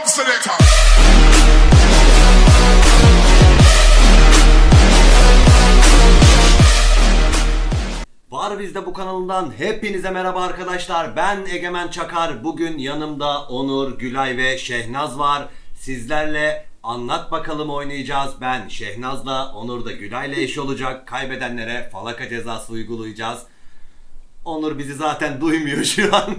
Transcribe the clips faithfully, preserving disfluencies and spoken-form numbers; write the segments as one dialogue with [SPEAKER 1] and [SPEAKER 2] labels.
[SPEAKER 1] selector.
[SPEAKER 2] Var Bizde bu kanalından hepinize merhaba arkadaşlar. Ben Egemen Çakar. Bugün yanımda Onur, Gülay ve Şehnaz var. Sizlerle Anlat Bakalım oynayacağız. Ben Şehnaz'la, Onur da Gülay'la eş olacak. Kaybedenlere falaka cezası uygulayacağız. Onur bizi zaten duymuyor şu an.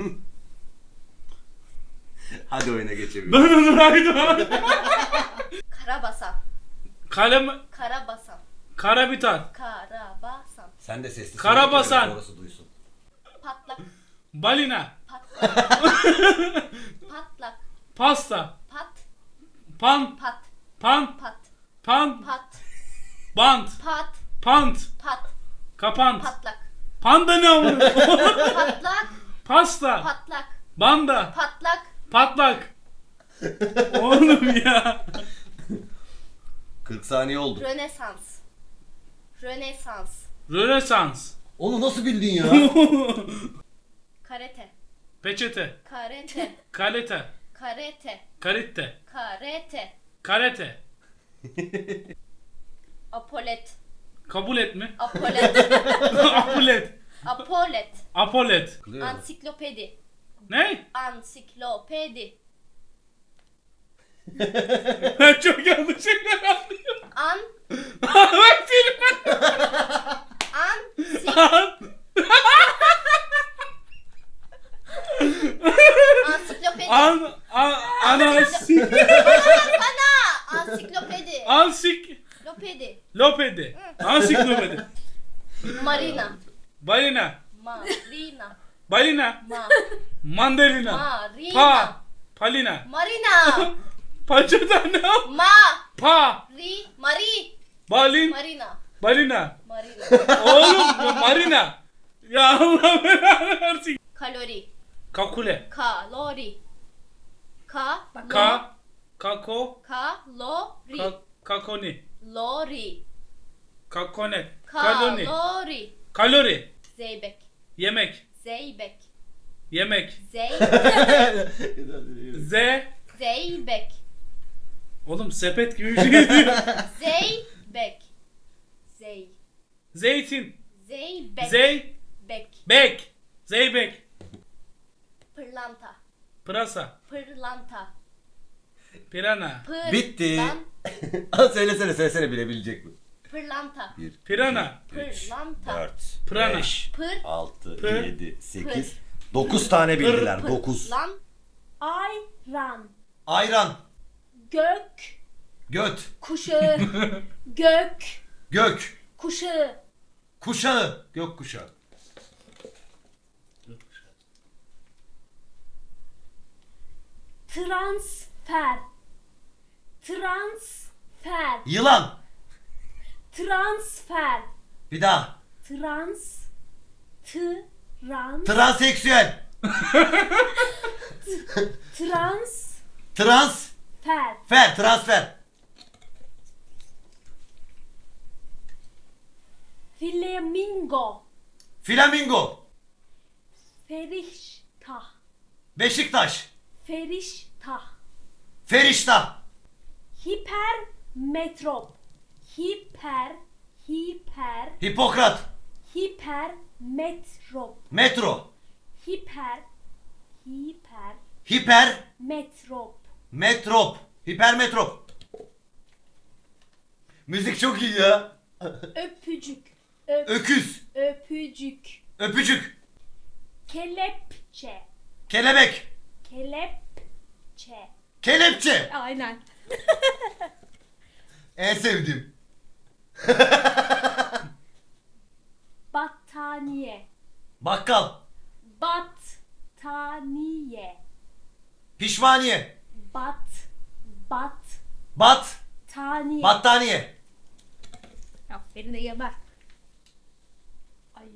[SPEAKER 2] Hadi oyuna geçelim.
[SPEAKER 3] Ben Onur Aydoğan.
[SPEAKER 4] Karabasan.
[SPEAKER 3] Kalem,
[SPEAKER 4] Karabasan.
[SPEAKER 3] Karabitan,
[SPEAKER 4] Karabasan.
[SPEAKER 2] Sen de sesli.
[SPEAKER 3] Karabasan.
[SPEAKER 2] söyle, orası duysun.
[SPEAKER 4] Patlak.
[SPEAKER 3] balina,
[SPEAKER 4] Patlak. Patlak.
[SPEAKER 3] pasta,
[SPEAKER 4] Pat.
[SPEAKER 3] pan,
[SPEAKER 4] Pat.
[SPEAKER 3] pan,
[SPEAKER 4] Pat.
[SPEAKER 3] pan,
[SPEAKER 4] Pat.
[SPEAKER 3] bant,
[SPEAKER 4] Pat.
[SPEAKER 3] pant,
[SPEAKER 4] Pat.
[SPEAKER 3] kapant,
[SPEAKER 4] Patlak.
[SPEAKER 3] panda ne amına?
[SPEAKER 4] Patlak.
[SPEAKER 3] Pasta,
[SPEAKER 4] Patlak.
[SPEAKER 3] banda,
[SPEAKER 4] Patlak.
[SPEAKER 3] patlak. Oğlum ya.
[SPEAKER 2] kırk saniye oldu.
[SPEAKER 4] Rönesans. Rönesans.
[SPEAKER 3] Rönesans,
[SPEAKER 2] Onu nasıl bildin ya?
[SPEAKER 4] Karate.
[SPEAKER 3] peçete,
[SPEAKER 4] Karate.
[SPEAKER 3] kalete,
[SPEAKER 4] Karate.
[SPEAKER 3] karite,
[SPEAKER 4] Karate.
[SPEAKER 3] karate.
[SPEAKER 4] Apolet.
[SPEAKER 3] Kabul et mi?
[SPEAKER 4] Apolet.
[SPEAKER 3] Apulet,
[SPEAKER 4] Apolet.
[SPEAKER 3] apolet.
[SPEAKER 4] Ansiklopedi.
[SPEAKER 3] Ne?
[SPEAKER 4] Ansiklopedi.
[SPEAKER 3] Ben çok yanlış şeyler anlıyorum.
[SPEAKER 4] An.
[SPEAKER 3] Bak seni.
[SPEAKER 4] An. Sik. Ansiklopedi.
[SPEAKER 3] An, an, anasik,
[SPEAKER 4] Ana. Ansiklopedi.
[SPEAKER 3] ansik,
[SPEAKER 4] Lopedi.
[SPEAKER 3] lopedi, ansiklopedi,
[SPEAKER 4] Marina.
[SPEAKER 3] balina,
[SPEAKER 4] Marina.
[SPEAKER 3] balina,
[SPEAKER 4] Ma.
[SPEAKER 3] mandalina,
[SPEAKER 4] Marina.
[SPEAKER 3] pa, palina,
[SPEAKER 4] Marina.
[SPEAKER 3] paçada ne?
[SPEAKER 4] Ma.
[SPEAKER 3] Pa,
[SPEAKER 4] Ri. Mari.
[SPEAKER 3] balin,
[SPEAKER 4] Marina.
[SPEAKER 3] balina.
[SPEAKER 4] Marina.
[SPEAKER 3] Oğlum ya marina. Ya Allah belanı versin.
[SPEAKER 4] Kalori.
[SPEAKER 3] Kakule,
[SPEAKER 4] Kalori. Ka.
[SPEAKER 3] ka, kako,
[SPEAKER 4] Kalori.
[SPEAKER 3] ka, kakoni,
[SPEAKER 4] Lori.
[SPEAKER 3] kakonet, kaloni,
[SPEAKER 4] Kalori.
[SPEAKER 3] kalori,
[SPEAKER 4] Zeybek.
[SPEAKER 3] yemek,
[SPEAKER 4] Zeybek.
[SPEAKER 3] yemek,
[SPEAKER 4] Zey.
[SPEAKER 3] z,
[SPEAKER 4] Zeybek.
[SPEAKER 3] oğlum sepet gibi bir şey diyor.
[SPEAKER 4] Zeybek. Zey.
[SPEAKER 3] Zeytin,
[SPEAKER 4] Zeybek.
[SPEAKER 3] zey,
[SPEAKER 4] Bek.
[SPEAKER 3] bek, zeybek,
[SPEAKER 4] Pırlanta.
[SPEAKER 3] pırasa,
[SPEAKER 4] Pırlanta.
[SPEAKER 3] pirana,
[SPEAKER 4] Pır.
[SPEAKER 2] Bitti.
[SPEAKER 4] Lan.
[SPEAKER 2] söylesene söylesene bilebilecek mi?
[SPEAKER 4] Pırlanta.
[SPEAKER 2] bir,
[SPEAKER 3] pirana,
[SPEAKER 4] Pırlanta.
[SPEAKER 2] dört,
[SPEAKER 3] Prana.
[SPEAKER 2] beş,
[SPEAKER 4] Pır.
[SPEAKER 2] altı,
[SPEAKER 3] Pır.
[SPEAKER 2] yedi, sekiz, dokuz tane bildiler.
[SPEAKER 3] Pır.
[SPEAKER 2] dokuz.
[SPEAKER 4] Lan.
[SPEAKER 5] Ayran,
[SPEAKER 2] Ayran,
[SPEAKER 5] gök
[SPEAKER 2] göt,
[SPEAKER 5] kuşağı, gök
[SPEAKER 2] gök,
[SPEAKER 5] kuşağı,
[SPEAKER 2] kuşağı, gök kuşağı.
[SPEAKER 5] transfer, transfer,
[SPEAKER 2] Yılan,
[SPEAKER 5] transfer,
[SPEAKER 2] bir daha.
[SPEAKER 5] trans, trans,
[SPEAKER 2] Transseksüel,
[SPEAKER 5] transfer,
[SPEAKER 2] transfer, transfer.
[SPEAKER 5] flamingo,
[SPEAKER 2] Flamingo,
[SPEAKER 5] feriştah,
[SPEAKER 2] Beşiktaş,
[SPEAKER 5] feriştah,
[SPEAKER 2] Ferişta,
[SPEAKER 5] hipermetrop, hiper, hiper,
[SPEAKER 2] Hipokrat,
[SPEAKER 5] hipermetrop,
[SPEAKER 2] metro,
[SPEAKER 5] hiper, hiper,
[SPEAKER 2] hiper,
[SPEAKER 5] metrop,
[SPEAKER 2] metrop, hipermetrop. Müzik çok iyi ya.
[SPEAKER 5] öpücük, öp,
[SPEAKER 2] Öküz,
[SPEAKER 5] öpücük,
[SPEAKER 2] öpücük,
[SPEAKER 5] kelepçe,
[SPEAKER 2] kelebek,
[SPEAKER 5] kelepçe.
[SPEAKER 2] kelepçe.
[SPEAKER 5] Aynen.
[SPEAKER 2] En sevdiğim.
[SPEAKER 5] Battaniye,
[SPEAKER 2] Bakkal,
[SPEAKER 5] battaniye,
[SPEAKER 2] pişmaniye,
[SPEAKER 5] bat, bat,
[SPEAKER 2] bat,
[SPEAKER 5] taniye.
[SPEAKER 2] battaniye,
[SPEAKER 5] Aferin de geber. Ay.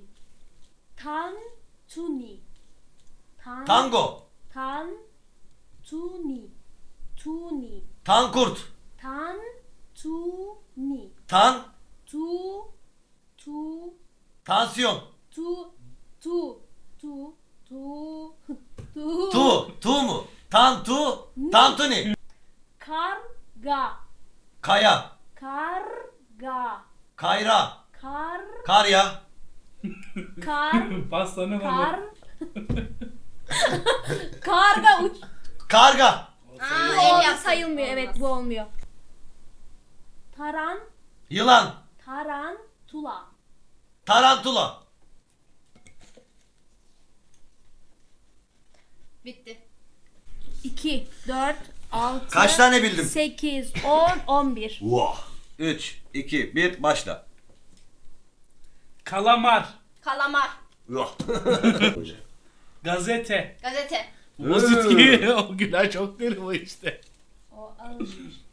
[SPEAKER 5] Tantuni, tan,
[SPEAKER 2] tango,
[SPEAKER 5] tan, tuni, tuni,
[SPEAKER 2] tankurt,
[SPEAKER 5] tan, tuni,
[SPEAKER 2] tan,
[SPEAKER 5] tu, tu,
[SPEAKER 2] tansiyon,
[SPEAKER 5] tu, tu, tu, tu, tu,
[SPEAKER 2] tu, tu mu? Tantu, tantuni,
[SPEAKER 5] Karga.
[SPEAKER 2] Kaya.
[SPEAKER 5] Karga.
[SPEAKER 2] Kayra.
[SPEAKER 5] Kar.
[SPEAKER 2] Karya.
[SPEAKER 5] Kar.
[SPEAKER 3] Pastanın
[SPEAKER 5] Kar.
[SPEAKER 3] adı.
[SPEAKER 5] Karga uç.
[SPEAKER 2] Karga.
[SPEAKER 4] Aa,
[SPEAKER 5] Bu
[SPEAKER 4] el yaptın.
[SPEAKER 5] sayılmıyor. Evet
[SPEAKER 4] Olmaz.
[SPEAKER 5] bu olmuyor. Taran.
[SPEAKER 2] Yılan.
[SPEAKER 5] Tarantula.
[SPEAKER 2] Tarantula.
[SPEAKER 4] Bitti.
[SPEAKER 5] iki, dört, altı.
[SPEAKER 2] Kaç tane bildim?
[SPEAKER 5] sekiz, on, on bir.
[SPEAKER 2] Wow. üç, iki, bir, başla.
[SPEAKER 3] Kalamar.
[SPEAKER 4] Kalamar.
[SPEAKER 2] Wow.
[SPEAKER 3] Gazete.
[SPEAKER 4] Gazete.
[SPEAKER 3] Basit ki o Gülay çok deli bu işte.
[SPEAKER 5] O ağır.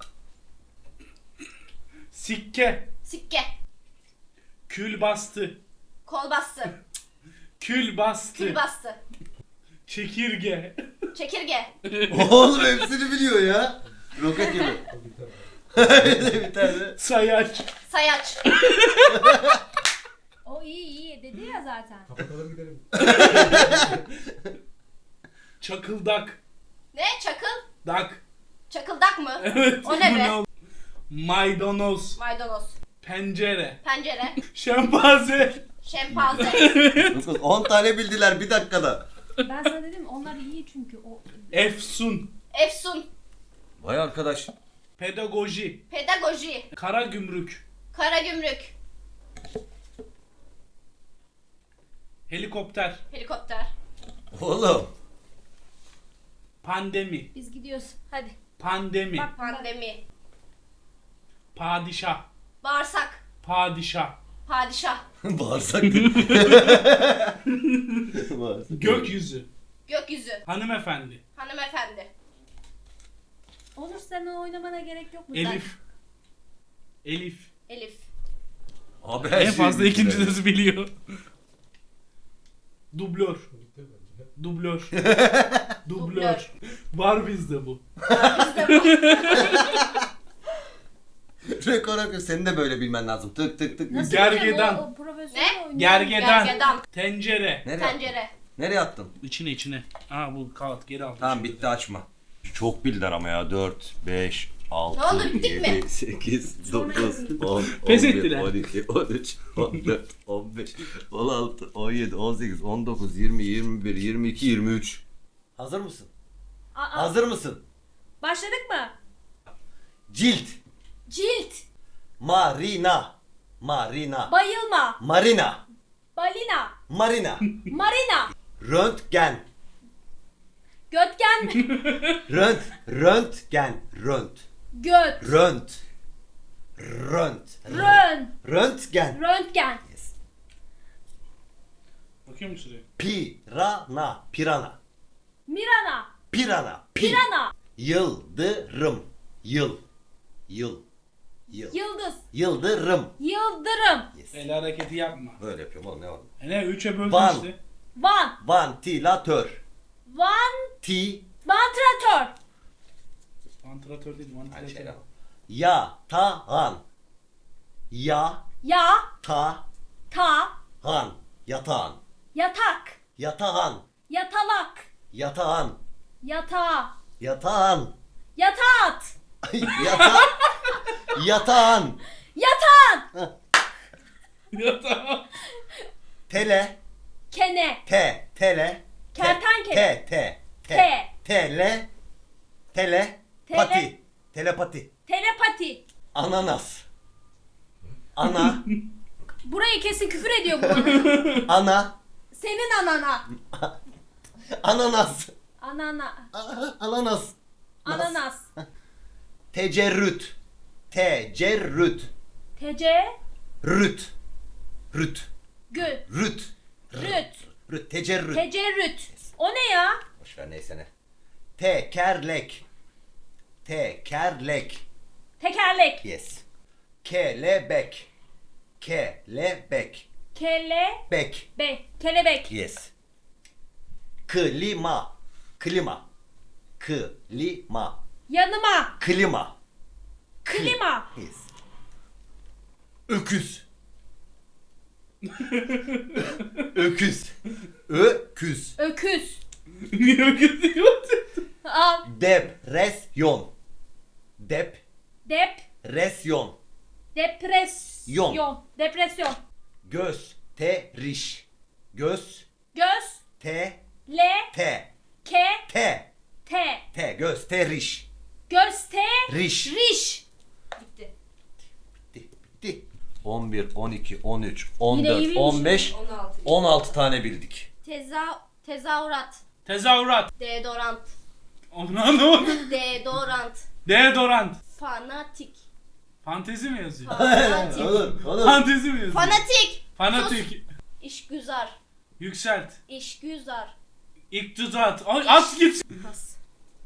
[SPEAKER 3] Sikke.
[SPEAKER 4] Sikke.
[SPEAKER 3] Kül bastı.
[SPEAKER 4] Kol bastı.
[SPEAKER 3] Kül bastı.
[SPEAKER 4] Kül bastı.
[SPEAKER 3] Çekirge.
[SPEAKER 4] Çekirge.
[SPEAKER 2] Oğlum hepsini biliyor ya. Roket gibi. bir tane.
[SPEAKER 3] Sayaç.
[SPEAKER 4] Sayaç.
[SPEAKER 5] O iyi iyi dedi ya zaten.
[SPEAKER 1] Kapatalım gidelim.
[SPEAKER 3] Çakıldak.
[SPEAKER 4] Ne? Çakıl.
[SPEAKER 3] Dak.
[SPEAKER 4] Çakıldak mı?
[SPEAKER 3] Evet.
[SPEAKER 4] O ne
[SPEAKER 3] bu
[SPEAKER 4] be?
[SPEAKER 3] oldu? Maydanoz.
[SPEAKER 4] Maydanoz.
[SPEAKER 3] Pencere.
[SPEAKER 4] Pencere.
[SPEAKER 3] Şempanze.
[SPEAKER 4] Şempanze.
[SPEAKER 2] dokuz, on tane bildiler bir dakikada.
[SPEAKER 5] Ben sana dedim onlar iyi çünkü o.
[SPEAKER 3] Efsun.
[SPEAKER 4] Efsun.
[SPEAKER 2] Vay arkadaş.
[SPEAKER 3] Pedagoji.
[SPEAKER 4] Pedagoji.
[SPEAKER 3] Karagümrük.
[SPEAKER 4] Karagümrük.
[SPEAKER 3] Helikopter.
[SPEAKER 4] Helikopter.
[SPEAKER 2] Oğlum.
[SPEAKER 3] Pandemi.
[SPEAKER 5] Biz gidiyoruz. Hadi.
[SPEAKER 3] Pandemi.
[SPEAKER 5] Bak
[SPEAKER 4] Pandemi.
[SPEAKER 3] Padişah.
[SPEAKER 4] Bağırsak.
[SPEAKER 3] Padişah.
[SPEAKER 4] Padişah.
[SPEAKER 2] Bağırsak. Bağırsak.
[SPEAKER 3] Gökyüzü.
[SPEAKER 4] Gökyüzü.
[SPEAKER 3] Hanımefendi.
[SPEAKER 4] Hanımefendi.
[SPEAKER 5] Onur sen o oynamana gerek yok mu?
[SPEAKER 3] Elif. Elif.
[SPEAKER 4] Elif.
[SPEAKER 2] Abi her
[SPEAKER 3] En
[SPEAKER 2] şeyi
[SPEAKER 3] fazla
[SPEAKER 2] bildiler.
[SPEAKER 3] ikinci sözü biliyor. Dublör.
[SPEAKER 1] Bitti bence.
[SPEAKER 3] Dublör.
[SPEAKER 4] Dublör.
[SPEAKER 3] Dublör. Var bizde bu.
[SPEAKER 2] Rekor akıyor. Senin de böyle bilmen lazım. Tık tık tık.
[SPEAKER 5] Nasıl
[SPEAKER 3] Gergedan.
[SPEAKER 5] bileceğim? O, o profesyonel
[SPEAKER 4] Ne?
[SPEAKER 5] oynuyor.
[SPEAKER 3] Gergedan.
[SPEAKER 4] Gergedan.
[SPEAKER 3] Tencere.
[SPEAKER 2] Nereye attın?
[SPEAKER 4] Tencere.
[SPEAKER 2] Nereye attın?
[SPEAKER 3] İçine içine. Aa bu kağıt geri al.
[SPEAKER 2] Tamam bitti açma. Çok bildiler ama ya. dört, beş,
[SPEAKER 4] Ne
[SPEAKER 2] altı,
[SPEAKER 4] oldu, bittik mi?
[SPEAKER 2] yedi, sekiz, dokuz, on,
[SPEAKER 3] Pes
[SPEAKER 2] on bir,
[SPEAKER 3] ettiler.
[SPEAKER 2] on iki, on üç, on dört, on beş, on altı, on yedi, on sekiz, on dokuz, yirmi, yirmi bir, yirmi iki, yirmi üç. Hazır mısın?
[SPEAKER 5] Aa,
[SPEAKER 2] Hazır mısın?
[SPEAKER 5] başladık mı?
[SPEAKER 2] Cilt.
[SPEAKER 4] Cilt.
[SPEAKER 2] Marina. Marina.
[SPEAKER 5] Bayılma.
[SPEAKER 2] Marina.
[SPEAKER 5] Balina.
[SPEAKER 2] Marina.
[SPEAKER 5] Marina.
[SPEAKER 2] Röntgen.
[SPEAKER 5] Götgen mi?
[SPEAKER 2] Rönt. Röntgen. Rönt.
[SPEAKER 5] Göt.
[SPEAKER 2] Rönt. Rönt.
[SPEAKER 5] Rön.
[SPEAKER 2] Röntgen.
[SPEAKER 5] Röntgen.
[SPEAKER 3] Bakıyor musun şuraya?
[SPEAKER 2] Pirana. Pirana.
[SPEAKER 5] Mirana.
[SPEAKER 2] Pirana. Pi.
[SPEAKER 5] Pirana.
[SPEAKER 2] Yıldırım. Yıl. Yıl. Yıl.
[SPEAKER 5] Yıldız.
[SPEAKER 2] Yıldırım.
[SPEAKER 5] Yıldırım.
[SPEAKER 2] Yes.
[SPEAKER 3] El hareketi yapma.
[SPEAKER 2] Böyle yapıyorum oğlum ne oldu?
[SPEAKER 3] E ne? Üçe böldün
[SPEAKER 2] Van.
[SPEAKER 3] işte.
[SPEAKER 5] Van.
[SPEAKER 2] Vantilatör.
[SPEAKER 5] Van.
[SPEAKER 2] Ti.
[SPEAKER 5] Vantilatör.
[SPEAKER 3] Vantilatör değil,
[SPEAKER 2] Hadi
[SPEAKER 3] vantilatör.
[SPEAKER 2] şey Yatağan. Ya.
[SPEAKER 5] Ya.
[SPEAKER 2] Ta.
[SPEAKER 5] Ta.
[SPEAKER 2] Han. Yatağan.
[SPEAKER 5] Yatak.
[SPEAKER 2] Yatağan.
[SPEAKER 5] Yatalak.
[SPEAKER 2] Yatağan.
[SPEAKER 5] Yatağı.
[SPEAKER 2] Yatağan.
[SPEAKER 5] Yataat.
[SPEAKER 2] Yata. Yatağan.
[SPEAKER 5] Yatağan.
[SPEAKER 3] Ya tamam.
[SPEAKER 2] Tele.
[SPEAKER 5] Kene.
[SPEAKER 2] Te. Tele. te,
[SPEAKER 5] Kertenkele.
[SPEAKER 2] Te. Te. Te.
[SPEAKER 5] Te.
[SPEAKER 2] Tele. Tele.
[SPEAKER 5] Tele.
[SPEAKER 2] Pati. Telepati.
[SPEAKER 5] Telepati.
[SPEAKER 2] Ananas. Ana.
[SPEAKER 5] Burayı kesin küfür ediyor bu bana.
[SPEAKER 2] Ana.
[SPEAKER 5] Senin anana.
[SPEAKER 2] Ananas.
[SPEAKER 5] Anana.
[SPEAKER 2] A- Ananas.
[SPEAKER 5] Ananas.
[SPEAKER 2] Tecerrüt. Tecerrüt.
[SPEAKER 5] Tece.
[SPEAKER 2] Rüt. Rüt.
[SPEAKER 5] Gü.
[SPEAKER 2] Rüt.
[SPEAKER 5] Rüt.
[SPEAKER 2] Rüt. Tecerrüt.
[SPEAKER 5] Tecerrüt. O ne ya?
[SPEAKER 2] Boşver neyse ne. Tekerlek. Tekerlek.
[SPEAKER 5] Tekerlek.
[SPEAKER 2] Yes. Kelebek. Kelebek.
[SPEAKER 5] Kele.
[SPEAKER 2] Bek.
[SPEAKER 5] Be. Kelebek.
[SPEAKER 2] Yes. Klima. Klima. Klima.
[SPEAKER 5] Yanıma.
[SPEAKER 2] Klima.
[SPEAKER 5] Klima.
[SPEAKER 2] Yes. Öküz. Öküz. Öküz.
[SPEAKER 5] Öküz.
[SPEAKER 3] Niye öyle diyor?
[SPEAKER 5] Al.
[SPEAKER 2] Depresyon. Dep.
[SPEAKER 5] Dep.
[SPEAKER 2] Resyon.
[SPEAKER 5] Depresyon.
[SPEAKER 2] Yon.
[SPEAKER 5] Depresyon.
[SPEAKER 2] Göz. Teriş. Göz.
[SPEAKER 5] Göz.
[SPEAKER 2] Te.
[SPEAKER 5] Le.
[SPEAKER 2] Te.
[SPEAKER 5] Ke.
[SPEAKER 2] Te.
[SPEAKER 5] Te.
[SPEAKER 2] Te. Göz. Teriş.
[SPEAKER 5] Göste.
[SPEAKER 2] Riş.
[SPEAKER 5] Riş.
[SPEAKER 4] Bitti.
[SPEAKER 2] Bitti. Bitti. on bir, on iki, on üç, on
[SPEAKER 5] Yine iyi
[SPEAKER 2] dört,
[SPEAKER 5] bilmişim.
[SPEAKER 2] on beş,
[SPEAKER 4] on altı.
[SPEAKER 2] on altı tane bildik.
[SPEAKER 4] Teza tezahürat.
[SPEAKER 3] Tezahürat.
[SPEAKER 4] Deodorant.
[SPEAKER 3] Onu anlamadım.
[SPEAKER 4] Deodorant.
[SPEAKER 3] Deodorant.
[SPEAKER 4] Fanatik.
[SPEAKER 3] Fantezi mi yazıyor?
[SPEAKER 4] Fanatik.
[SPEAKER 2] Olur, olur.
[SPEAKER 3] Fantezi mi yazıyor?
[SPEAKER 4] Fanatik.
[SPEAKER 3] Fanatik.
[SPEAKER 4] İşgüzar.
[SPEAKER 3] Yükselt.
[SPEAKER 4] İşgüzar.
[SPEAKER 3] İktidar. Ay, at git.
[SPEAKER 4] Pas.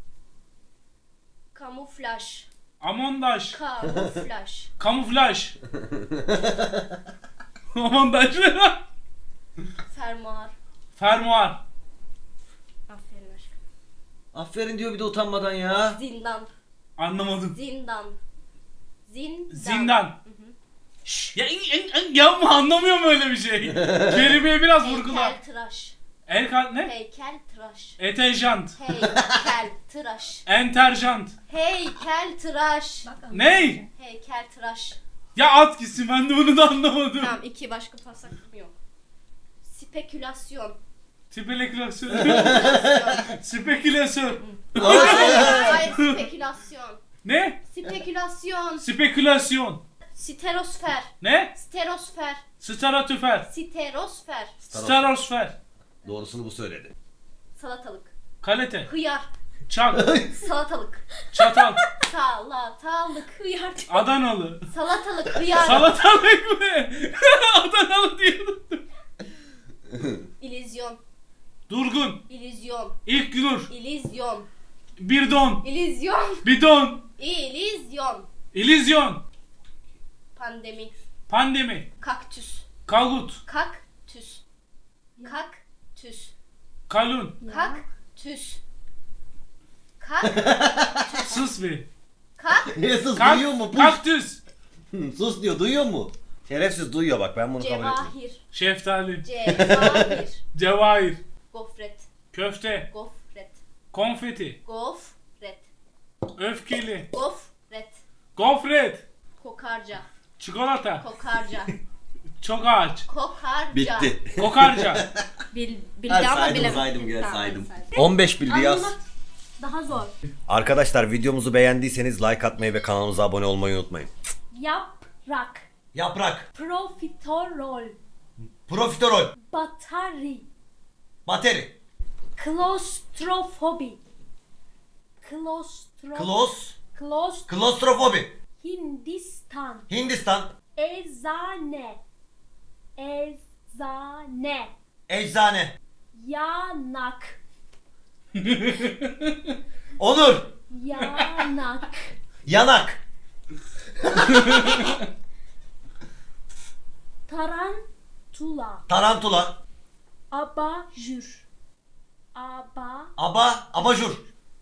[SPEAKER 4] Kamuflaj.
[SPEAKER 3] Amondaj.
[SPEAKER 4] Kamuflaj.
[SPEAKER 3] Kamuflaj. Amondaj.
[SPEAKER 4] Fermuar.
[SPEAKER 3] Fermuar.
[SPEAKER 4] Aferin aşkım.
[SPEAKER 2] Aferin diyor bir de utanmadan ya.
[SPEAKER 4] Zindan.
[SPEAKER 3] Anlamadım.
[SPEAKER 4] Zindan. Zindan.
[SPEAKER 3] Zindan. Şş, ya in, in, in, yapma, anlamıyorum öyle bir şey. Kelimeyi biraz vurgula.
[SPEAKER 4] Heykel tıraş.
[SPEAKER 3] El kal ne?
[SPEAKER 4] Heykel tıraş.
[SPEAKER 3] Etejant.
[SPEAKER 4] Heykel tıraş.
[SPEAKER 3] Enterjant.
[SPEAKER 4] Heykel tıraş.
[SPEAKER 3] Ney?
[SPEAKER 4] Heykel tıraş.
[SPEAKER 3] Ya at gitsin, ben de bunu da anlamadım.
[SPEAKER 4] Tamam, iki başka pas hakkım yok. Spekülasyon.
[SPEAKER 3] Spekülasyon. Spekülasyon.
[SPEAKER 4] Hayır, spekülasyon.
[SPEAKER 3] Ne?
[SPEAKER 4] Spekülasyon.
[SPEAKER 3] Spekülasyon.
[SPEAKER 4] Sterosfer.
[SPEAKER 3] Ne?
[SPEAKER 4] Sterosfer.
[SPEAKER 3] Stratosfer.
[SPEAKER 4] Sterosfer.
[SPEAKER 3] Stratosfer.
[SPEAKER 2] Doğrusunu bu söyledi.
[SPEAKER 4] Salatalık.
[SPEAKER 3] Kalite.
[SPEAKER 4] Hıyar.
[SPEAKER 3] Çak.
[SPEAKER 4] Salatalık.
[SPEAKER 3] Çatal.
[SPEAKER 4] Salatalık.
[SPEAKER 5] Hıyar.
[SPEAKER 3] Adanalı.
[SPEAKER 4] Salatalık. Hıyar.
[SPEAKER 3] Salatalık mı? Adanalı diyordum.
[SPEAKER 4] İllüzyon.
[SPEAKER 3] Durgun.
[SPEAKER 4] İllüzyon.
[SPEAKER 3] İlk nur.
[SPEAKER 4] İllüzyon.
[SPEAKER 3] Birdon.
[SPEAKER 4] İllüzyon.
[SPEAKER 3] Bidon.
[SPEAKER 4] İllüzyon.
[SPEAKER 3] İllüzyon.
[SPEAKER 4] Pandemi.
[SPEAKER 3] Pandemi.
[SPEAKER 4] Kaktüs.
[SPEAKER 3] Kagut.
[SPEAKER 4] Kaktüs. Kaktüs.
[SPEAKER 3] Kalun.
[SPEAKER 4] Kaktüs. Kak.
[SPEAKER 3] Sus be.
[SPEAKER 4] Kak.
[SPEAKER 2] Sus
[SPEAKER 3] Kak-
[SPEAKER 2] duyuyor mu? Puş.
[SPEAKER 3] Kaktüs.
[SPEAKER 2] Hı, sus diyor, duyuyor mu? Şerefsiz duyuyor bak, ben bunu kabul etmiyorum.
[SPEAKER 4] Cevahir.
[SPEAKER 3] Şeftali.
[SPEAKER 4] Cevahir.
[SPEAKER 3] Cevahir.
[SPEAKER 4] Gofret.
[SPEAKER 3] Köfte.
[SPEAKER 4] Gofret.
[SPEAKER 3] Konfeti.
[SPEAKER 4] Gofret.
[SPEAKER 3] Öfkeli.
[SPEAKER 4] Gofret.
[SPEAKER 3] Gofret.
[SPEAKER 4] Kokarca.
[SPEAKER 3] Çikolata.
[SPEAKER 4] Kokarca.
[SPEAKER 3] Çok ağaç.
[SPEAKER 4] Kokarca.
[SPEAKER 2] Bitti.
[SPEAKER 3] Kokarca.
[SPEAKER 5] Bil,
[SPEAKER 2] Ben
[SPEAKER 5] bildi ama
[SPEAKER 2] saydım,
[SPEAKER 5] bilemedi.
[SPEAKER 2] saydım, gel
[SPEAKER 5] Tamam,
[SPEAKER 2] saydım.
[SPEAKER 5] saydım.
[SPEAKER 2] on beş bildi yaz.
[SPEAKER 5] Anlamak daha zor.
[SPEAKER 2] Arkadaşlar videomuzu beğendiyseniz like atmayı ve kanalımıza abone olmayı unutmayın.
[SPEAKER 5] Yaprak.
[SPEAKER 2] Yaprak.
[SPEAKER 5] Profiterol.
[SPEAKER 2] Profiterol.
[SPEAKER 5] Batari.
[SPEAKER 2] Bateri.
[SPEAKER 5] Klostrofobi. Klostro...
[SPEAKER 2] Klos.
[SPEAKER 5] Klost...
[SPEAKER 2] Klostrofobi.
[SPEAKER 5] Hindistan.
[SPEAKER 2] Hindistan.
[SPEAKER 5] Eczane. Eczane.
[SPEAKER 2] Eczane.
[SPEAKER 5] Yanak.
[SPEAKER 2] Onur.
[SPEAKER 5] Yanak.
[SPEAKER 2] Yanak.
[SPEAKER 5] Tarantula.
[SPEAKER 2] Tarantula.
[SPEAKER 5] Abajur. Aba...
[SPEAKER 2] Aba. Abajur.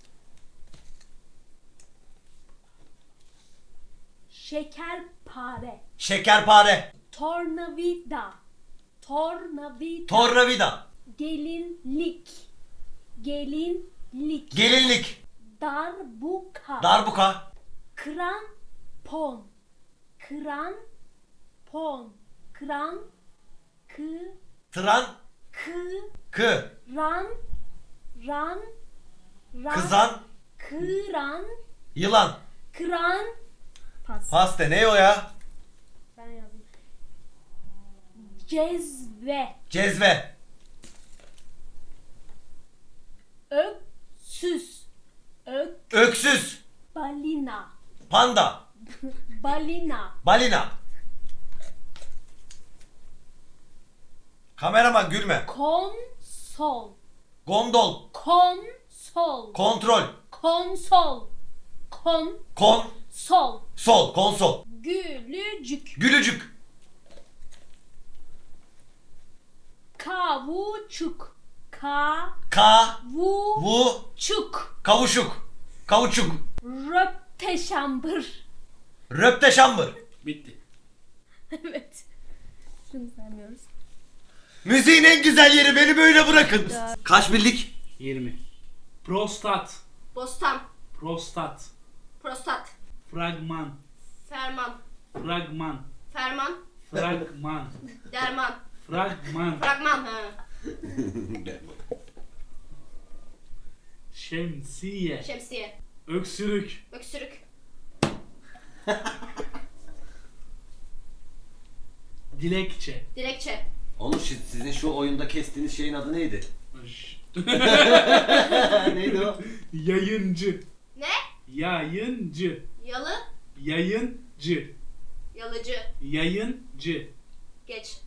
[SPEAKER 5] Şekerpare.
[SPEAKER 2] Şekerpare.
[SPEAKER 5] Tornavida. Tornavida.
[SPEAKER 2] Tornavida.
[SPEAKER 5] Gelinlik. Gelinlik.
[SPEAKER 2] Gelinlik.
[SPEAKER 5] Darbuka.
[SPEAKER 2] Darbuka.
[SPEAKER 5] Krampon. Krampon. Kran. Kı.
[SPEAKER 2] Tran.
[SPEAKER 5] Kı.
[SPEAKER 2] Kı.
[SPEAKER 5] Ran. Ran. Ran.
[SPEAKER 2] Kızan.
[SPEAKER 5] Kıran.
[SPEAKER 2] Yılan.
[SPEAKER 5] Kıran. Pas.
[SPEAKER 2] Paste ne o ya?
[SPEAKER 5] Ben yazdım. Cezve.
[SPEAKER 2] Cezve.
[SPEAKER 5] Öksüz. Ök.
[SPEAKER 2] Öksüz.
[SPEAKER 5] Balina.
[SPEAKER 2] Panda.
[SPEAKER 5] Balina.
[SPEAKER 2] Balina. Kameraman gülme.
[SPEAKER 5] Konsol.
[SPEAKER 2] Gondol.
[SPEAKER 5] Konsol.
[SPEAKER 2] Kontrol.
[SPEAKER 5] Konsol. Kon.
[SPEAKER 2] Kon.
[SPEAKER 5] Sol.
[SPEAKER 2] Sol. Konsol.
[SPEAKER 5] Gülücük.
[SPEAKER 2] Gülücük.
[SPEAKER 5] Kavuçuk. Ka.
[SPEAKER 2] Ka.
[SPEAKER 5] Vu.
[SPEAKER 2] Vu.
[SPEAKER 5] Çuk.
[SPEAKER 2] Kavuşuk. Kavuçuk.
[SPEAKER 5] Röpteşambır.
[SPEAKER 2] Röpteşambır.
[SPEAKER 3] Bitti.
[SPEAKER 5] Evet. Şunu saymıyoruz.
[SPEAKER 2] Müziğin en güzel yeri, beni böyle bırakın. Kaç bildik?
[SPEAKER 3] yirmi. Prostat.
[SPEAKER 4] Bostan.
[SPEAKER 3] Prostat.
[SPEAKER 4] Prostat.
[SPEAKER 3] Fragman.
[SPEAKER 4] Ferman.
[SPEAKER 3] Fragman.
[SPEAKER 4] Ferman.
[SPEAKER 3] Fragman.
[SPEAKER 4] Derman.
[SPEAKER 3] Fragman.
[SPEAKER 4] Fragman. Ha.
[SPEAKER 3] Şemsiye.
[SPEAKER 4] Şemsiye.
[SPEAKER 3] Öksürük.
[SPEAKER 4] Öksürük.
[SPEAKER 3] Dilekçe.
[SPEAKER 4] Dilekçe.
[SPEAKER 2] Onur siz- sizin şu oyunda kestiğiniz şeyin adı neydi? Neydi o?
[SPEAKER 3] Yayıncı.
[SPEAKER 4] Ne?
[SPEAKER 3] Yayıncı.
[SPEAKER 4] Yalı.
[SPEAKER 3] Yayıncı.
[SPEAKER 4] Yalıcı.
[SPEAKER 3] Yayıncı.
[SPEAKER 4] Geç.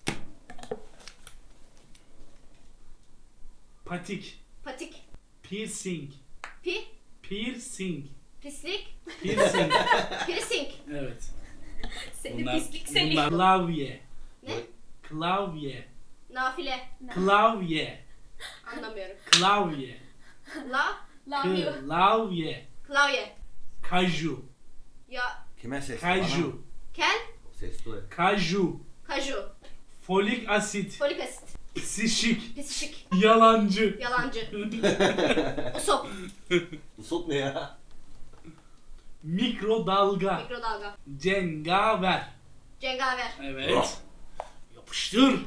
[SPEAKER 3] Patik.
[SPEAKER 4] Patik.
[SPEAKER 3] Piercing.
[SPEAKER 4] Pi.
[SPEAKER 3] Piercing.
[SPEAKER 4] Pislik.
[SPEAKER 3] Piercing.
[SPEAKER 4] Piercing.
[SPEAKER 3] Evet.
[SPEAKER 5] Seni
[SPEAKER 3] Bunlar,
[SPEAKER 5] pislik seni.
[SPEAKER 3] bunlar klavye.
[SPEAKER 4] Ne?
[SPEAKER 3] Klavye.
[SPEAKER 4] Nafile.
[SPEAKER 3] Klavye.
[SPEAKER 4] Anlamıyorum.
[SPEAKER 3] Klavye.
[SPEAKER 4] La.
[SPEAKER 5] Lamıyor.
[SPEAKER 3] Klavye.
[SPEAKER 4] Klavye.
[SPEAKER 3] Kaju.
[SPEAKER 4] Ya.
[SPEAKER 2] Kime sesli? Bana mı?
[SPEAKER 4] Kel.
[SPEAKER 3] Kaju.
[SPEAKER 2] Sesli o ya.
[SPEAKER 3] Kaju.
[SPEAKER 4] Kaju.
[SPEAKER 3] Folik asit.
[SPEAKER 4] Folik asit.
[SPEAKER 3] Psişik.
[SPEAKER 4] Pisişik.
[SPEAKER 3] Yalancı.
[SPEAKER 4] Yalancı. Usop.
[SPEAKER 2] Usop ne ya?
[SPEAKER 3] Mikrodalga.
[SPEAKER 4] Mikrodalga.
[SPEAKER 3] Cengaver.
[SPEAKER 4] Cengaver.
[SPEAKER 3] Evet. Yapıştır.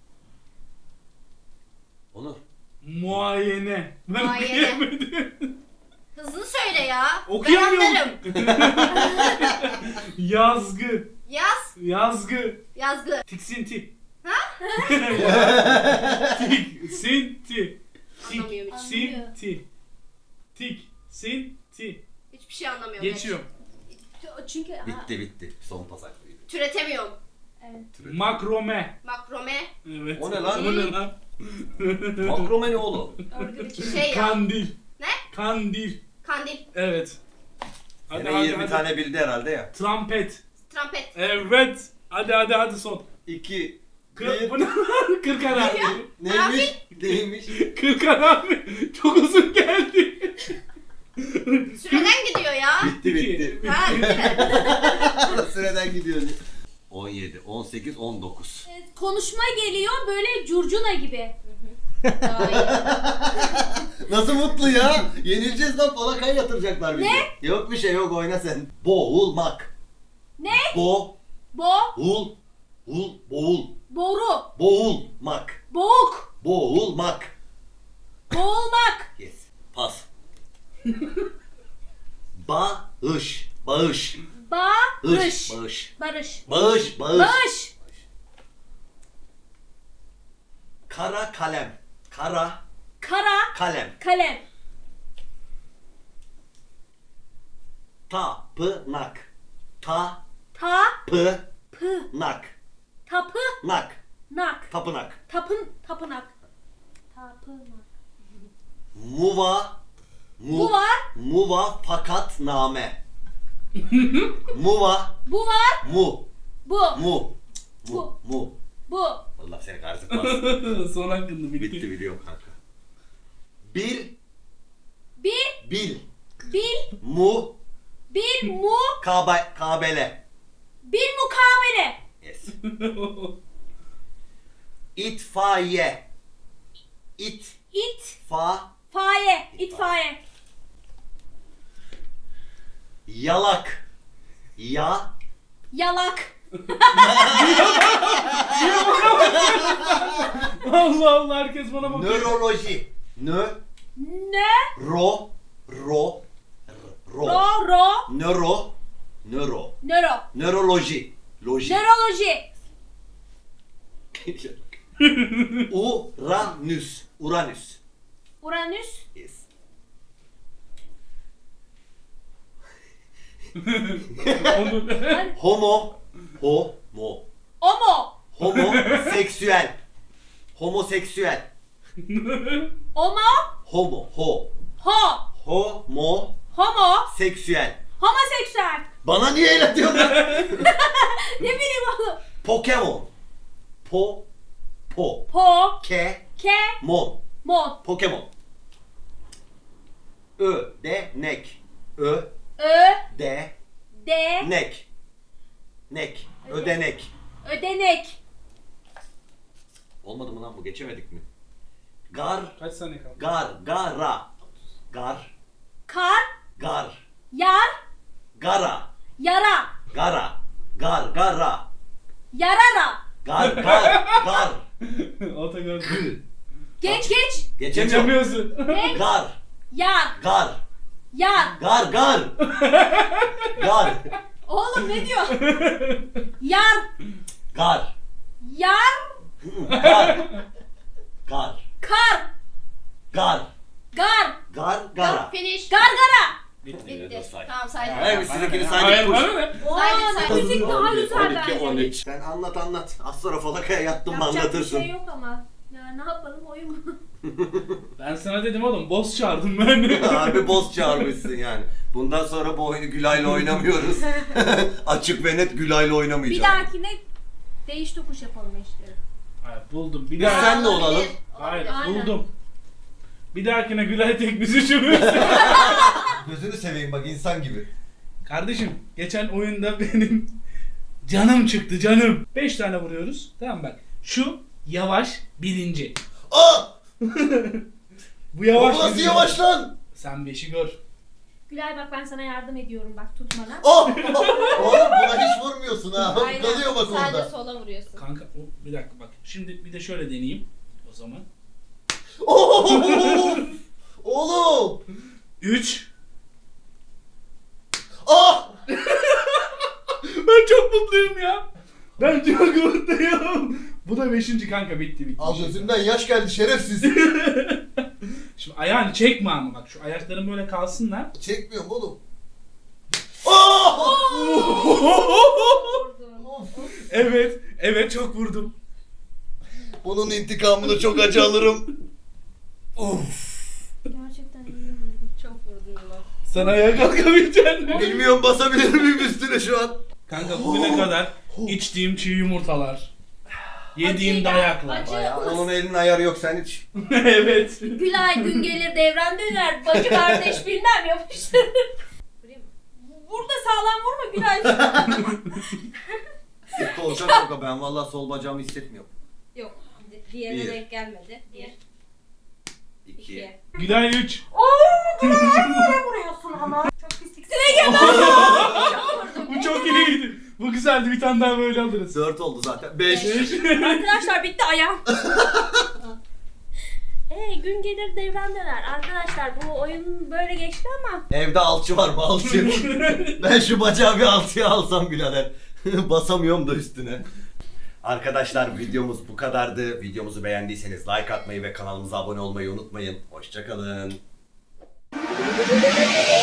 [SPEAKER 2] Onur.
[SPEAKER 3] Muayene. Ben
[SPEAKER 4] Muayene.
[SPEAKER 3] okuyamadım.
[SPEAKER 4] Hızlı söyle ya. Ben
[SPEAKER 3] Okuyamıyorum.
[SPEAKER 4] anlarım.
[SPEAKER 3] Yazgı.
[SPEAKER 4] Yaz.
[SPEAKER 3] Yazgı.
[SPEAKER 4] Yazgı.
[SPEAKER 3] Tiksinti.
[SPEAKER 4] Ha?
[SPEAKER 3] Tiksinti.
[SPEAKER 4] Anlamıyorum hiç.
[SPEAKER 3] Tiksinti. Tiksinti.
[SPEAKER 4] Hiçbir şey anlamıyorum.
[SPEAKER 3] Geçiyorum.
[SPEAKER 5] Çünkü ha,
[SPEAKER 2] Bitti bitti. Son pas hakkıydı.
[SPEAKER 4] Geç. Türetemiyorum.
[SPEAKER 5] evet.
[SPEAKER 3] Makrome.
[SPEAKER 4] Makrome.
[SPEAKER 3] Evet.
[SPEAKER 2] O ne lan?
[SPEAKER 3] O ne lan?
[SPEAKER 2] Makrome ne oğlum?
[SPEAKER 5] Örgü biçim.
[SPEAKER 4] Şey ya.
[SPEAKER 3] Kandil.
[SPEAKER 4] Ne?
[SPEAKER 3] Kandil.
[SPEAKER 4] Kandil.
[SPEAKER 3] Evet. Hadi
[SPEAKER 2] Yine
[SPEAKER 3] hadi
[SPEAKER 2] yirmi
[SPEAKER 3] hadi.
[SPEAKER 2] tane bildi herhalde ya.
[SPEAKER 3] Trampet.
[SPEAKER 4] Trampet.
[SPEAKER 3] Evet. Hadi hadi hadi son.
[SPEAKER 2] İki.
[SPEAKER 3] Kır,
[SPEAKER 2] Bir.
[SPEAKER 3] bu ne lan? Kırkan abi.
[SPEAKER 2] Neymiş? Neymiş?
[SPEAKER 3] Kırkan abi. Çok uzun geldi.
[SPEAKER 4] Süreden gidiyor ya.
[SPEAKER 2] Bitti bitti.
[SPEAKER 4] Ha bitti mi?
[SPEAKER 2] Süreden gidiyor. on yedi, on sekiz, on dokuz.
[SPEAKER 5] Evet, konuşma geliyor böyle curcuna gibi.
[SPEAKER 4] Daha iyi.
[SPEAKER 2] Nasıl mutlu ya? Yenileceğiz lan, falakaya yatıracaklar bizi. Ne? Yok bir şey yok, oyna sen. Boğulmak.
[SPEAKER 5] Ne?
[SPEAKER 2] Bo,
[SPEAKER 5] Bo,
[SPEAKER 2] ul, ul, boğul.
[SPEAKER 5] boru,
[SPEAKER 2] Boğulmak.
[SPEAKER 5] boğuk,
[SPEAKER 2] Boğulmak.
[SPEAKER 5] boğulmak,
[SPEAKER 2] Yes. Pas. Bağış. Bağış.
[SPEAKER 5] barış,
[SPEAKER 2] Bağış.
[SPEAKER 5] barış,
[SPEAKER 2] Bağış. Bağış.
[SPEAKER 5] bağış,
[SPEAKER 2] Kara kalem. Kara
[SPEAKER 5] kara,
[SPEAKER 2] kalem.
[SPEAKER 5] kalem,
[SPEAKER 2] Tapınak. Ta
[SPEAKER 5] ta,
[SPEAKER 2] pı
[SPEAKER 5] pı,
[SPEAKER 2] nak.
[SPEAKER 5] tapı,
[SPEAKER 2] Nak.
[SPEAKER 5] nak,
[SPEAKER 2] Tapınak.
[SPEAKER 5] tapın, tapınak, tapınak.
[SPEAKER 2] Muva. Mu,
[SPEAKER 5] Bu var,
[SPEAKER 2] Muva fakat name. Muva.
[SPEAKER 5] bu var,
[SPEAKER 2] Mu.
[SPEAKER 5] bu,
[SPEAKER 2] Mu. Mu.
[SPEAKER 5] Bu.
[SPEAKER 2] Mu.
[SPEAKER 5] bu,
[SPEAKER 2] Allah seni kahretsin.
[SPEAKER 3] Son hakkında bitti.
[SPEAKER 2] Bitti biliyorum kanka. Bil.
[SPEAKER 5] bir,
[SPEAKER 2] Bil.
[SPEAKER 5] bil,
[SPEAKER 2] Mu.
[SPEAKER 5] bir mu,
[SPEAKER 2] Kabe, kabele.
[SPEAKER 5] bir mukabele,
[SPEAKER 2] Yes. İtfaiye. İt.
[SPEAKER 5] it,
[SPEAKER 2] Fa.
[SPEAKER 5] faye, itfaiye,
[SPEAKER 2] Yalak. Ya.
[SPEAKER 5] yalak,
[SPEAKER 3] Allah Allah, herkes bana bakıyor.
[SPEAKER 2] Nöroloji. Nö.
[SPEAKER 5] ne,
[SPEAKER 2] Ro. Ro. Ro.
[SPEAKER 5] ro, ro,
[SPEAKER 2] Nöro. Nöro.
[SPEAKER 5] nöro,
[SPEAKER 2] Nöroloji. Loji.
[SPEAKER 5] nöroloji,
[SPEAKER 2] Uranüs. Uranüs.
[SPEAKER 5] uranüs,
[SPEAKER 2] Yes.
[SPEAKER 3] Onu...
[SPEAKER 2] Homo. Homo.
[SPEAKER 5] omo,
[SPEAKER 2] Homoseksüel. Homoseksüel.
[SPEAKER 5] omo,
[SPEAKER 2] Homo. Ho.
[SPEAKER 5] ho,
[SPEAKER 2] Homo.
[SPEAKER 5] homo,
[SPEAKER 2] Seksüel.
[SPEAKER 5] homoseksüel,
[SPEAKER 2] Bana niye el atıyorsun lan?
[SPEAKER 5] ne bileyim oğlum,
[SPEAKER 2] Pokemon. Po. Po.
[SPEAKER 5] po,
[SPEAKER 2] Ke.
[SPEAKER 5] ke,
[SPEAKER 2] Mon.
[SPEAKER 5] mon,
[SPEAKER 2] Pokemon. Ö. De. Nek. Ö.
[SPEAKER 5] ö,
[SPEAKER 2] De.
[SPEAKER 5] de,
[SPEAKER 2] Nek. Nek. Ödenek.
[SPEAKER 5] ödenek,
[SPEAKER 2] Olmadı mı lan bu? Geçemedik mi? Gar.
[SPEAKER 3] Kaç saniye kaldı?
[SPEAKER 2] Gar. Gara. Gar.
[SPEAKER 5] kar,
[SPEAKER 2] Gar.
[SPEAKER 5] yar,
[SPEAKER 2] Gara.
[SPEAKER 5] Yara.
[SPEAKER 2] Gara. Gar. Gara.
[SPEAKER 5] Yarara.
[SPEAKER 2] Gar. Gar. Gar.
[SPEAKER 3] Ota gördüm.
[SPEAKER 2] Gı.
[SPEAKER 5] Geç geç.
[SPEAKER 2] Geçemiyorum.
[SPEAKER 3] Geçemiyorsun.
[SPEAKER 2] Gar.
[SPEAKER 5] Yar.
[SPEAKER 2] Gar.
[SPEAKER 5] Yar.
[SPEAKER 2] Gar. Gar. Gar.
[SPEAKER 5] Oğlum ne diyor? Yar.
[SPEAKER 2] Gar.
[SPEAKER 5] Yar.
[SPEAKER 2] Gar. Gar.
[SPEAKER 5] Kar.
[SPEAKER 2] Gar.
[SPEAKER 5] Gar.
[SPEAKER 2] Gar. Gara.
[SPEAKER 4] Finish.
[SPEAKER 5] Gargara.
[SPEAKER 4] Bitti.
[SPEAKER 2] Say.
[SPEAKER 4] Tamam saydım.
[SPEAKER 2] Evet, sizinkini
[SPEAKER 3] Hayır
[SPEAKER 2] saydık.
[SPEAKER 3] bana ne?
[SPEAKER 5] Oha
[SPEAKER 4] saydım.
[SPEAKER 5] müzik daha güzel bence.
[SPEAKER 2] Sen anlat anlat. Az sonra falakaya yattın mı
[SPEAKER 5] Yapacak bir
[SPEAKER 2] anlatırsın.
[SPEAKER 5] şey yok ama. Ya ne yapalım oyun mu?
[SPEAKER 3] Ben sana dedim oğlum boss çağırdım ben.
[SPEAKER 2] Harbi boss çağırmışsın yani. Bundan sonra bu oyunu Gülay'la oynamıyoruz. Açık ve net Gülay'la
[SPEAKER 5] Bir
[SPEAKER 2] oynamayacağım.
[SPEAKER 5] dahakine değiş tokuş yapalım işte.
[SPEAKER 3] Hayır buldum. Bir
[SPEAKER 2] Biz
[SPEAKER 3] daha.
[SPEAKER 2] sen de olalım.
[SPEAKER 3] Hayır
[SPEAKER 5] Aynen.
[SPEAKER 3] buldum. Bir dahakine Gülay tek bizi çürüyorsun.
[SPEAKER 2] Gözünü seveyim bak insan gibi.
[SPEAKER 3] Kardeşim geçen oyunda benim canım çıktı canım. Beş tane vuruyoruz. Tamam bak. Şu yavaş birinci.
[SPEAKER 2] Aa!
[SPEAKER 3] Bu yavaş
[SPEAKER 2] Bu nasıl
[SPEAKER 3] birinci.
[SPEAKER 2] yavaş lan?
[SPEAKER 3] Sen beşi gör.
[SPEAKER 5] Gülay bak ben sana yardım ediyorum bak tutmana.
[SPEAKER 2] Oh! Oğlum buna hiç vurmuyorsun ha.
[SPEAKER 4] Aynen.
[SPEAKER 2] Kalıyor bak
[SPEAKER 4] Sadece
[SPEAKER 2] orada.
[SPEAKER 4] sola vuruyorsun.
[SPEAKER 3] Kanka o, bir dakika bak. Şimdi bir de şöyle deneyeyim. O zaman.
[SPEAKER 2] Oh! Oğlum!
[SPEAKER 3] Üç.
[SPEAKER 2] Ah!
[SPEAKER 3] Ben çok mutluyum ya. Ben çok mutluyum. Bu da beşinci kanka bitti bitti.
[SPEAKER 2] Al gözümden yaş geldi şerefsiz.
[SPEAKER 3] Şimdi ayağını çekme ama bak şu ayakların böyle kalsınlar.
[SPEAKER 2] Çekmiyorum oğlum. Ah! Of!
[SPEAKER 3] Evet, evet çok vurdum.
[SPEAKER 2] Bunun intikamını çok acı alırım. Of!
[SPEAKER 5] Gerçekten iyi vurdun.
[SPEAKER 4] Çok vurdun bak.
[SPEAKER 3] Sen ayağa kalkamayacaksın.
[SPEAKER 2] Bilmiyorum basabilir miyim üstüne şu an?
[SPEAKER 3] Kanka bugüne kadar içtiğim çiğ yumurtalar, yediğim
[SPEAKER 5] Acı,
[SPEAKER 3] dayaklar.
[SPEAKER 5] acı.
[SPEAKER 2] Bayağı onun elinin ayarı yok sen hiç.
[SPEAKER 3] Evet.
[SPEAKER 5] Gülay gün gelir devran döner. Bacı kardeş bilmem yapıştırır. Burada sağlam vurma Gülay.
[SPEAKER 2] Kolçak yok ben vallahi sol bacağımı hissetmiyorum.
[SPEAKER 4] Yok. di- Diğerine
[SPEAKER 2] Bir.
[SPEAKER 4] denk gelmedi. Bir.
[SPEAKER 2] İki.
[SPEAKER 4] İki.
[SPEAKER 3] Gülay üç.
[SPEAKER 5] Nereye vuruyorsun ama? Çok pislik. Sine gel.
[SPEAKER 3] Bu çok iyiydi. Bu güzeldi. Bir tane daha böyle alırız.
[SPEAKER 2] Dört oldu zaten. Beş.
[SPEAKER 5] Arkadaşlar bitti ayağım. Ee, gün gelir devran döner. Arkadaşlar bu oyun böyle geçti ama
[SPEAKER 2] Evde alçı var mı alçı? Ben şu bacağı bir alçıya alsam birader. Basamıyorum da üstüne. Arkadaşlar videomuz bu kadardı. Videomuzu beğendiyseniz like atmayı ve kanalımıza abone olmayı unutmayın. Hoşçakalın.